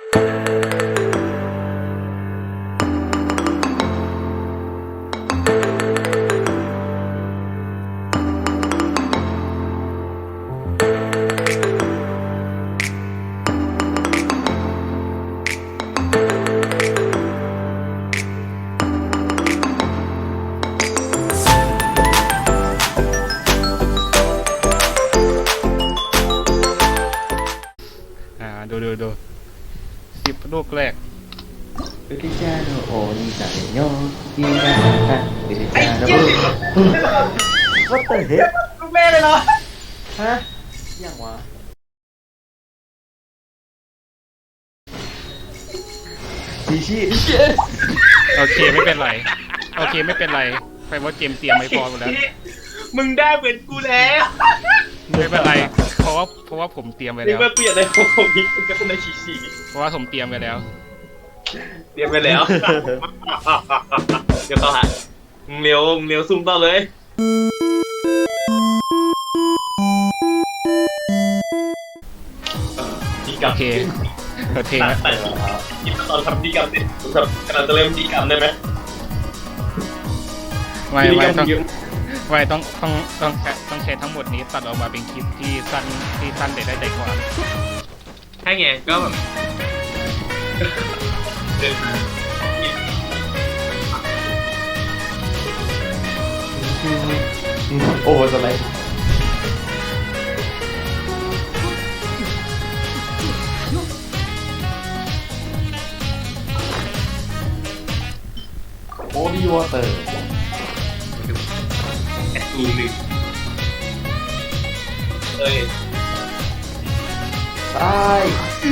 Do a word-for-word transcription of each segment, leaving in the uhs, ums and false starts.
ดูดูดูสิบลูกแรกอุติจาโนโอนิซาโยกินาตะอุติจาโนวัตเตอร์เฮดลูกแม่เลยเหรอฮะยังวะชีชีโอเคไม่เป็นไรโอเคไม่เป็นไรไปว่าเกมเตรียมไม่พอหมดแล้วมึงได้เหมือนกูแล้วไม่เป็นไรเพราะว่าเพราะว่าผมเตรียมไว้นี่แล้วมาเปลี่ยนอะไรของผมนี่มึงก็ต้องได้ชีชีเพราะว่าผมเตรียมไว้แล้วเตรียมไปแล้วเดี๋ยวต่อฮะมึงเร็วมึงเร็วซุ่มต่อเลยดีกรรมโอเคเปิดเพลงตัแล้ดวแต่คิดตอนทำดีกรรมเสร็จแบบกำลังจะเริ่มดีกรรมได้ไหมไม่ไม่ต้องไม่ต้องต้องต้องต้องใช้ทั้งหมดนี้ตัดออกมาเป็นคลิปที่สั้นที่สั้นแต่ได้ใจความใช่ไงก็แบบเดินมาโอ้สไลด์โอดีวอเตอร์แอดตูหนึ่งเอ้ยตาย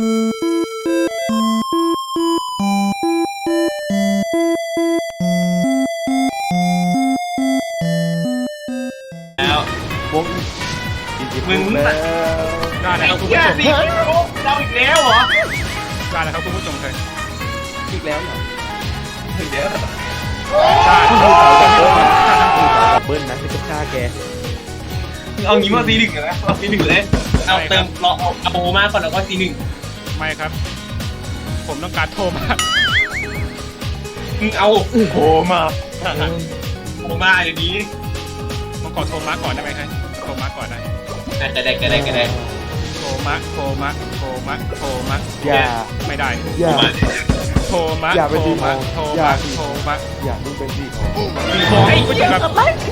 แล้ววงมึงแล้วได้แล้วคุณผู้ชมสี่เราอีกแล้วเหรอได้แล้วครับคุณผู้ชมเลยอีกแล้วเหรออีกแล้วได้ดับเบิ้ลนะที่จะฆ่าแกเอางี้มาซีหนึ่งนะเอาซีหนึ่งเลยเอาเติมรอเอาเอาโบมาก่อนแล้วก็ซีหนึ่งไม่ครับผมต้องการโทรมามึงเอาโบมาโบมาอย่างนี้ผมขอโทรมาก่อนได้ไหมครับโทรมาก่อนนะก็ได้ก็ได้ก็ได้โทรมาโทรมาโทรมาโทรมาอย่าไม่ได้อย่าโทรมาอย่าไปโทรตีมาของโทรอย่ามาตีโทรมาอย่ามึงเป็นสีของโทรให้คุณผู้ชมครับ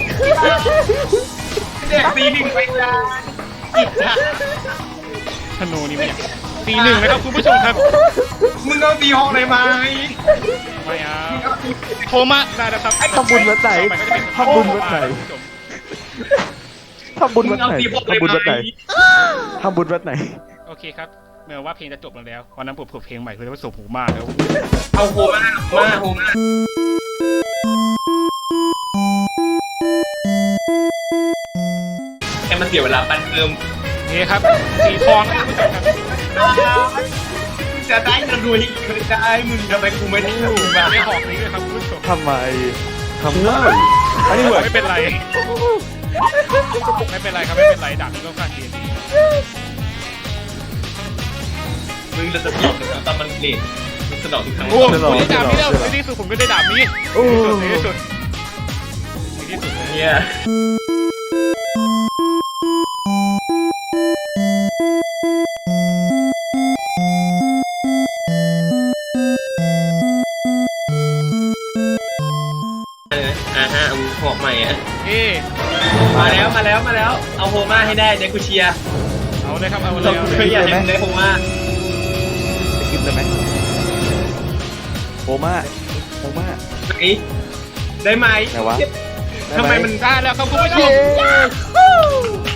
เด็กซีหนึ่งไปจ้าจิตจ้าธนูนี่ไม่อยากตีหนึ่งนะครับคุณผู้ชมครับมึงเอาตีหกเลยไหมไม่เอาโทรมาได้แล้วครับทำบุญวัดไหนทำบุญวัดไหนทำบุญวัดไหนทำบุญวัดไหนทำบุญวัดไหนโอเคครับเมื่อว่าเพลงจะจบลงแล้ววันนั้นผมเปิดเพลงใหม่เลยว่าสมหูมากแล้วเอาโฮมามาโฮมาแค่มันเสียเวลาปั้นเติมนี่ครับสีทองนะคุณผู้ชมครับจะได้เงินรวยอีกไม่ได้มึงทำไมกูไม่ได้ทำมาไม่ออกนี้เลยครับคุณผู้ชมทำไมทำไมอันนี้เหมือนไม่เป็นไรไม่เป็นไรครับไม่เป็นไรดาบนี้ก็ค่าเทียนดีมึงจะผิดแต่มันเลทมันสนองทุกครั้งโอ้โหได้ดาบนี้แล้วในที่สุดผมก็ได้ดาบนี้ในที่สุดในที่สุดเนี่ยอ่าฮะเอาหอกใหม่อ่ะเอ๊ะมาแล้วมาแล้วมาแล้วเอาโฮมาให้ได้เดี๋ยวกูเชียร์เอาเลยครับเอาเลยเราเอาเคเลย ยอยากเห็นได้โฮมาจะกินได้ไหมโอมาโอมาไหนได้ไหมไหนวะทำไมมันได้แล้วครับคุณผู้ชม